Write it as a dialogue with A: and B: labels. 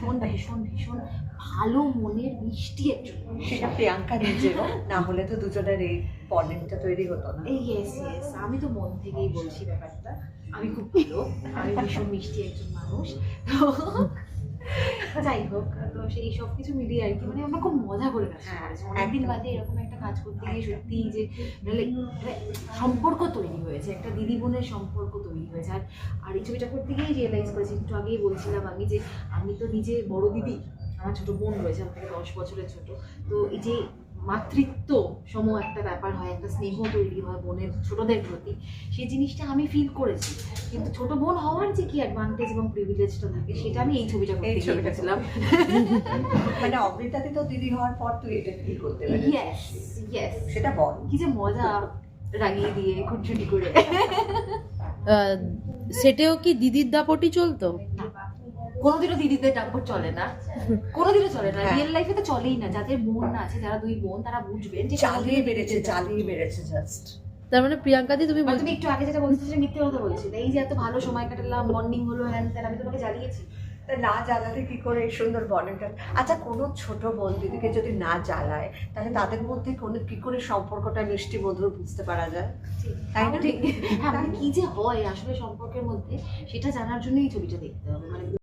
A: ভীষণ ভীষণ ভীষণ ভালো মনের মিষ্টি একজন।
B: সেটা প্রিয়াঙ্কা নিজেও না হলে তো দুজনের এই বন্ডিংটা তৈরি হতো না।
A: ইয়েস ইয়েস, আমি তো মন থেকেই বলছি ব্যাপারটা, আমি খুব ভালো, আমি ভীষণ মিষ্টি একজন মানুষ। তো যাই হোক, তো সেই সব কিছু মিলিয়ে আর কি, মানে আমরা খুব মজা করে কাজ করেছি। অনেকদিন বাদে এরকম একটা কাজ করতে গিয়ে সত্যি যে সম্পর্ক তৈরি হয়েছে, একটা দিদি বোনের সম্পর্ক তৈরি হয়েছে। আর এই ছবিটা করতে গিয়ে রিয়েলাইজ করেছি, একটু আগেই বলছিলাম আমি, যে আমি তো নিজে বড় দিদি, আমার ছোট বোন রয়েছে, আমার থেকে 10 বছরের ছোট। তো এই যে মাতৃত্ব সম একটা ব্যাপার হয়, একটা স্নেহ তৈরি হয় বোনের ছোটদের প্রতি, সেই জিনিসটা আমি ফিল করেছি। কিন্তু ছোট বোন হওয়ার যে কি অ্যাডভান্টেজ এবং প্রিভিলেজটা থাকে, সেটা আমি এই ছবিটা করতে গিয়েছিলাম।
B: মানে অমৃতাদি তো দিদি হওয়ার পর তুই এটা ফিল করতে পারবি।
A: ইয়েস ইয়েস,
B: সেটা বল,
A: কি যে মজা, রাগিয়ে দিয়ে খুনসুটি করে।
C: সেটেও কি দিদির দাপটই চলতো?
A: কোনোদিনও দিদিদের দাপট চলে না, কোনোদিনও চলে না, রিয়েল লাইফে তো চলেই না। যাদের বোন আছে, যারা দুই বোন, তারা বুঝবেন যে
B: চালিয়ে বেড়েছে জাস্ট।
C: তার মানে প্রিয়াঙ্কা দি তুমি
A: তুমি একটু আগে যেটা বলছো যে মিথ্যে কথা বলছি, এই যে এত ভালো সময় কাটালাম, বন্ডিং হলো, হ্যান ত্যান, আমি তোমাকে জ্বালিয়েছি।
B: তা না জ্বালালে কি করে এই সুন্দর বন্ডিংটা? আচ্ছা, কোনো ছোট বোন দিদিকে যদি না জ্বালায়, তাহলে তাদের মধ্যে কোনো কি করে সম্পর্কটা মিষ্টি মধুর বুঝতে পারা যায়? তাই না?
A: হ্যাঁ, মানে কি যে হয় আসলে সম্পর্কের মধ্যে, সেটা জানার জন্যই এই ছবিটা দেখতে হবে। মানে